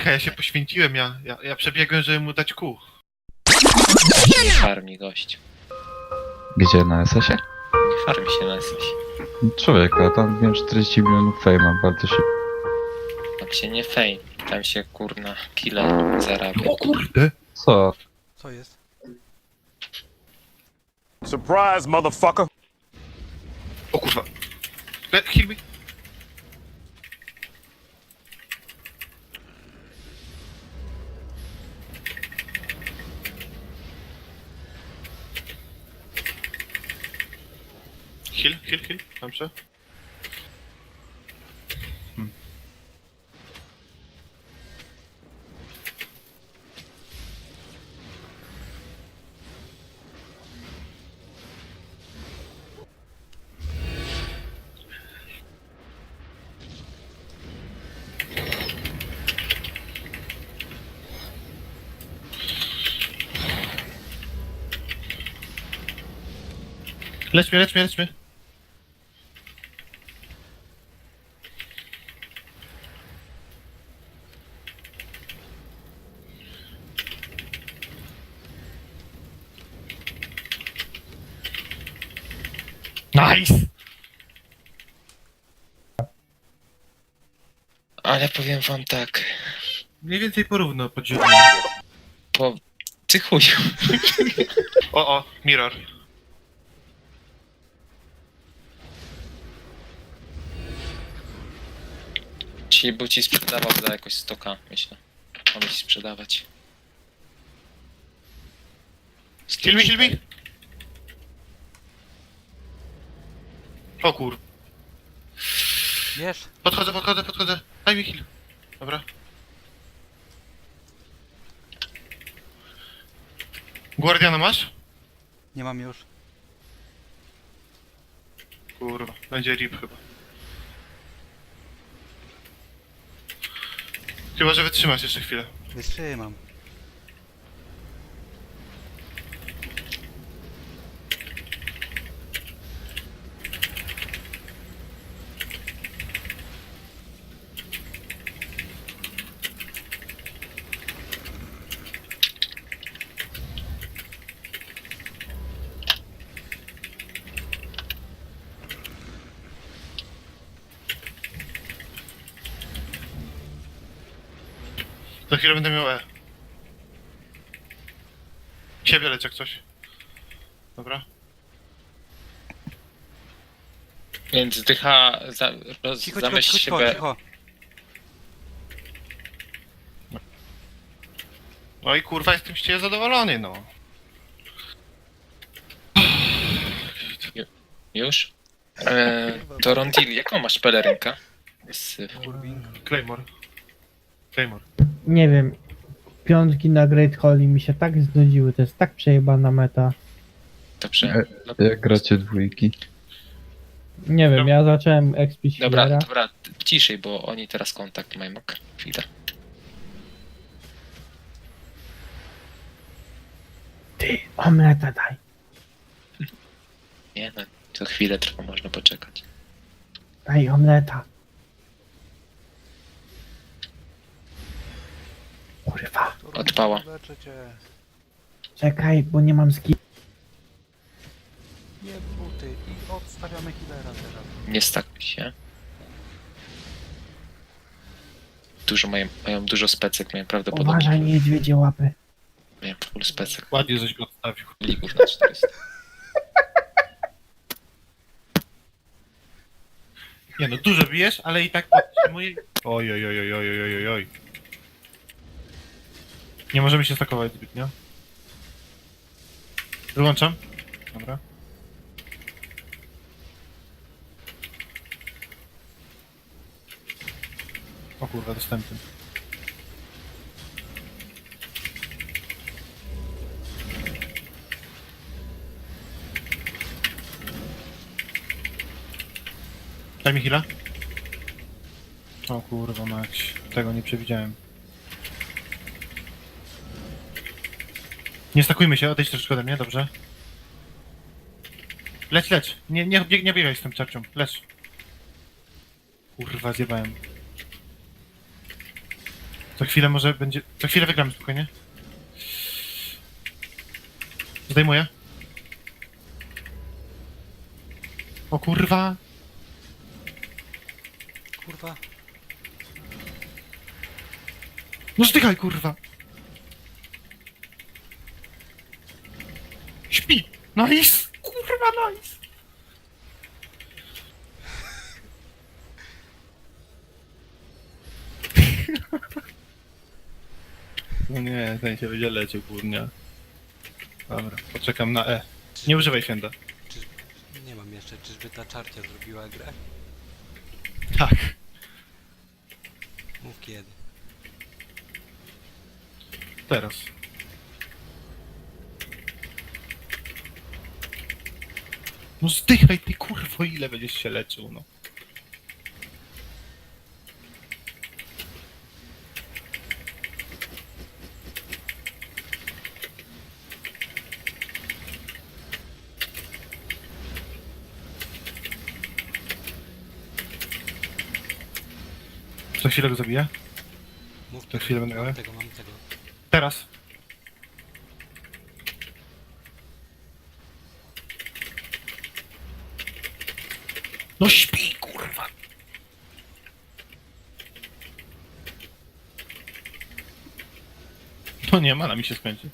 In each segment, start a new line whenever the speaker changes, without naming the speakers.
Dycha, ja się poświęciłem, ja przebiegłem, żeby mu dać kół.
Nie farmi gość.
Gdzie, na SS-ie?
Nie farmi się na coś.
Człowieku, a tam wiem 40 milionów fejma, bardzo szybko.
Tam się nie fame. Tam się kurna killer zarabia.
O kurde!
Co?
Co jest?
Surprise, motherfucker!
O kurwa. Heal me. Heal. Dobrze. Lecz mnie. Nice!
Ale powiem wam tak.
Mniej więcej porówno podzielimy.
Po... Ty chuju.
O, mirror.
Czyli był ci sprzedawał za jakoś 100k, myślę. Mamy ci sprzedawać.
Heal me. O kur...
Wiesz?
Podchodzę. Daj mi heal. Dobra. Guardiana masz?
Nie mam już.
Kurwa, będzie rip chyba. Chyba, że wytrzymasz jeszcze chwilę.
Wytrzymam.
Za chwilę będę miał E. Ciebie leć jak coś. Dobra.
Więc dycha...
Cicho,
Zamyśl siebie...
cicho.
No i kurwa, jestem z ciebie zadowolony, no.
Już? Torontil, jaką masz pelerynkę?
Claymore.
Nie wiem. Piątki na Great Holly mi się tak znudziły, to jest tak przejebana meta.
Dobrze.
Jak gracie dwójki?
Nie wiem, ja zacząłem expić
Dobra,
healera.
dobra, ciszej, bo oni teraz kontakt mają. Chwilę.
Ty, omleta daj.
Nie no, to chwilę trwa, można poczekać.
Daj omleta. Kurwa,
Odpała.
Leczę cię.
czekaj, bo nie mam skill.
Nie buty. I odstawiamy healera teraz.
Nie stakuj się. Mają dużo specek, mają prawdopodobnie
Uważaj, niedźwiedzie łapy.
mają full specek.
Ładnie żeś go odstawił.
Ligów na 400.
Nie no, dużo bijesz, ale i tak podtrzymuję... Oj. Nie możemy się stakować zbytnio. Wyłączam. Dobra. O kurwa, dostępny. Daj mi chwilę. O kurwa mać, tego nie przewidziałem. Nie stakujmy się, odejdź troszeczkę ode mnie, dobrze? Leć. Nie biegaj z tym czarcią, lecz. Kurwa, zjebałem. Za chwilę może będzie... Za chwilę wygramy spokojnie. Zdejmuję. O kurwa!
Kurwa.
No zdychaj kurwa! Śpi! Nice! Kurwa nice! No nie, ten się będzie leciał kurnia. Dobra, poczekam na E. Nie używaj święta.
Nie mam jeszcze, czyżby ta czarcia zrobiła grę?
Tak.
Mów kiedy.
Teraz. No zdychaj ty kurwo, ile będziesz się leczył, no. Za chwilę go zabiję?
Mów
Za chwilę będę
mam
grał.
tego, mam tego.
Teraz. No śpi, kurwa. No nie, mana mi się skończy.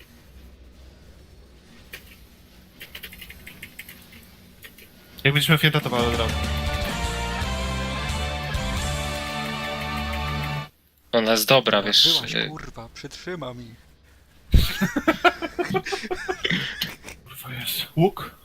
Jak będziesz miał fięta, to walę od razu.
Ona jest dobra, wiesz.
Byłaś, kurwa, przytrzymam ich.
Kurwa jest. Łuk?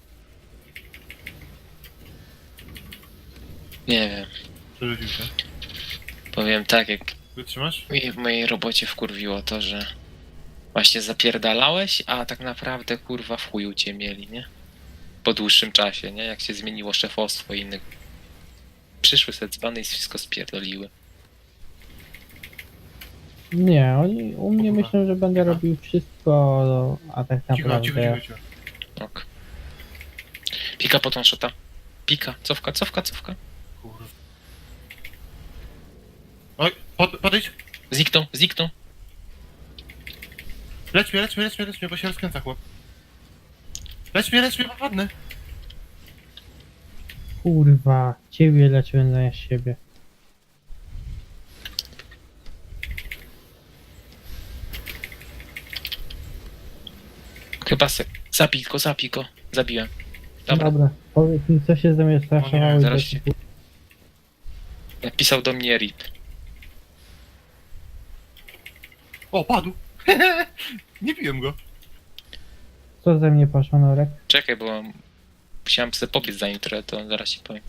Nie wiem.
Przerzucił się.
Powiem tak, jak
Wytrzymasz?
mnie w mojej robocie wkurwiło to, że właśnie zapierdalałeś, a tak naprawdę kurwa w chuju cię mieli, nie? Po dłuższym czasie, nie? Jak się zmieniło szefostwo i innych. Przyszły se dzbany i wszystko spierdoliły.
Nie, oni u mnie
Kurwa.
myślą, że będę robił wszystko, a tak
Cicho,
naprawdę...
cicho, cicho, cicho.
Ok. Pika po tą shota. Pika, cofka, cofka, cofka.
Kurwa. Oj, podejdź.
Zniknął, zniknął.
Lecz mnie, bo się rozkręca chłop. Lecz mnie, popadnę.
Kurwa, ciebie leczyłem zamiast siebie.
Chyba se... Zabij go. Zabiłem. Dobra.
Dobra, powiedz mi, co się ze mnie straszowało i
zaraz
do-
się- Napisał do mnie RIP.
O, padł. Nie biłem go.
Co ze mnie poszło, Norek?
Czekaj, bo musiałem sobie pobiec za nim trochę, to zaraz ci powiem.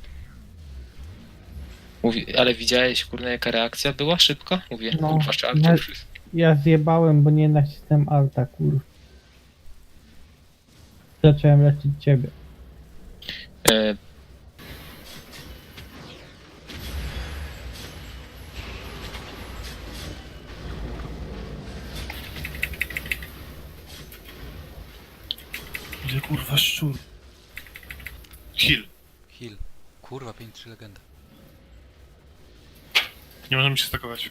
Mówi, ale widziałeś, kurna, jaka reakcja była szybka? Mówię,
No,
kurwa, czarny.
ja- Ja zjebałem, bo nie nacisnąłem alta, kurwa. Zacząłem leczyć ciebie.
E,
Ile kurwa szczur. Heal.
Heal. Kurwa, 5-3 legenda.
Nie możemy się stakować.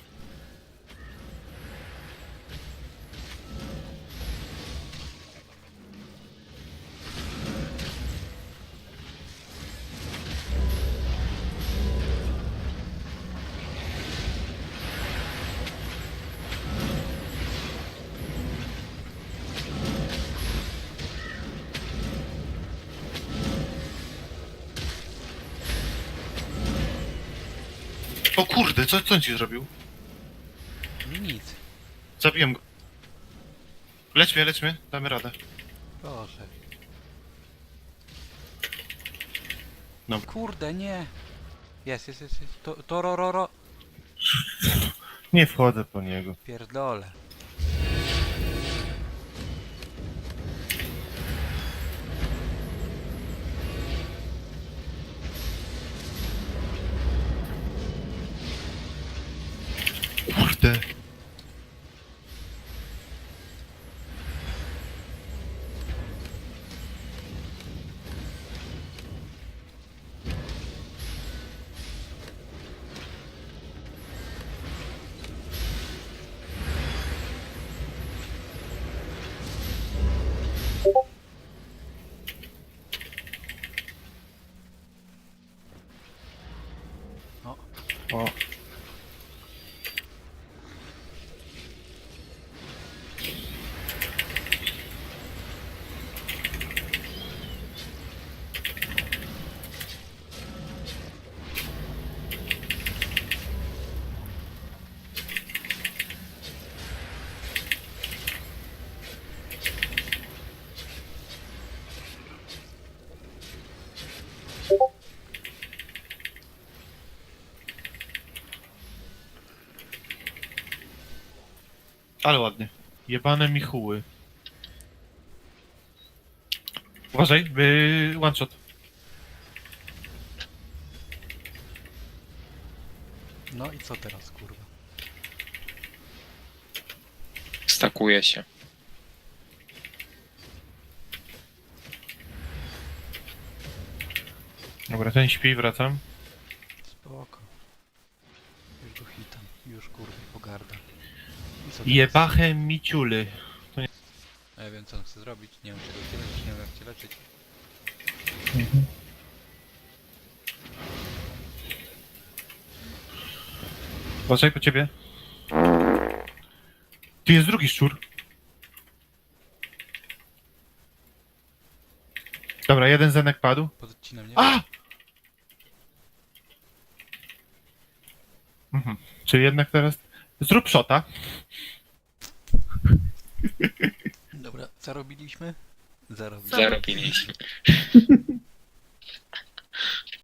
O kurde, co on ci zrobił?
Nic.
Zabiłem go. Lecz mnie, damy radę.
Proszę.
No.
Kurde, nie. Jest. To ro.
Nie wchodzę po niego.
Pierdolę.
Kurde. O. Ale ładnie. Jebane michuły. Uważaj, one shot.
No i co teraz, kurwa?
Stakuje się.
Dobra, ten śpi, wracam.
Spoko. Już go hitam. Już kurwa, pogarda. I co teraz?
Jebache miciuly.
A ja wiem co on chce zrobić. Nie wiem czy go chce leczyć, nie wiem jak cię leczyć.
Mhm.
Uważaj po ciebie. Tu jest drugi szczur. Dobra, jeden zenek padł.
Podcinam, nie?
A! Mhm. Czyli jednak teraz... Zrób shota.
Dobra, zarobiliśmy? Zarobiliśmy.
Zarobiliśmy.